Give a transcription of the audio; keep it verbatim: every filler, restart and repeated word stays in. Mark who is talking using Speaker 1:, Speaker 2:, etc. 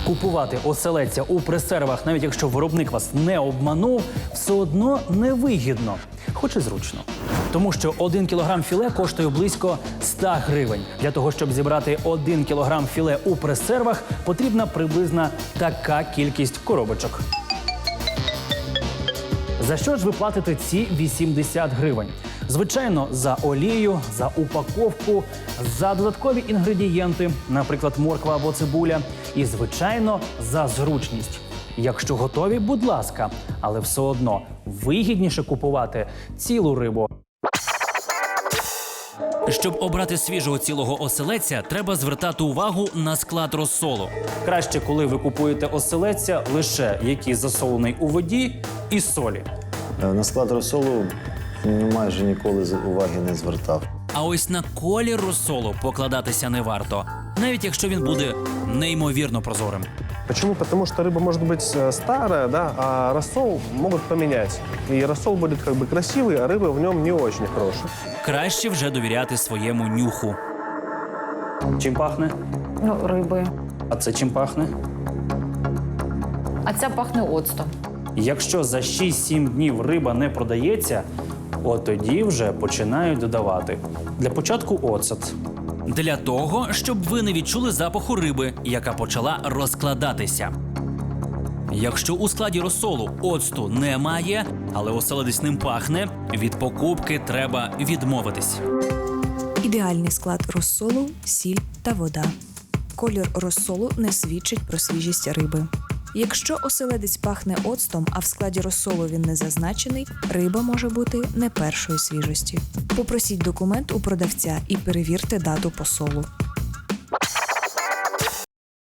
Speaker 1: Купувати оселедця у пресервах, навіть якщо виробник вас не обманув, все одно невигідно, хоч і зручно. Тому що один кілограм філе коштує близько ста гривень. Для того, щоб зібрати один кілограм філе у пресервах, потрібна приблизно така кількість коробочок. За що ж ви платите ці вісімдесят гривень? Звичайно, за олію, за упаковку, за додаткові інгредієнти, наприклад, морква або цибуля, і, звичайно, за зручність. Якщо готові, будь ласка, але все одно вигідніше купувати цілу рибу.
Speaker 2: Щоб обрати свіжого цілого оселедця, треба звертати увагу на склад розсолу.
Speaker 1: Краще, коли ви купуєте оселедця, лише який засолений у воді і солі.
Speaker 3: На склад розсолу майже ніколи уваги не звертав.
Speaker 2: А ось на колір розсолу покладатися не варто, навіть якщо він буде неймовірно прозорим.
Speaker 4: Почему? Потому что рыба может быть старая, да, а рассол могут поменять. И рассол будет как бы красивый, а рыба в нем не очень хорошая.
Speaker 2: Краще вже довіряти своєму нюху.
Speaker 1: Чим пахне?
Speaker 5: Ну, рибою.
Speaker 1: А це чим пахне?
Speaker 5: А ця пахне оцтом.
Speaker 1: Якщо за шість-сім днів риба не продається, от тоді вже починають додавати. Для початку оцет.
Speaker 2: Для того, щоб ви не відчули запаху риби, яка почала розкладатися. Якщо у складі розсолу оцту немає, але оселедець ним пахне, від покупки треба відмовитись.
Speaker 6: Ідеальний склад розсолу – сіль та вода. Колір розсолу не свідчить про свіжість риби. Якщо оселедець пахне оцтом, а в складі розсолу він не зазначений, риба може бути не першої свіжості. Попросіть документ у продавця і перевірте дату посолу.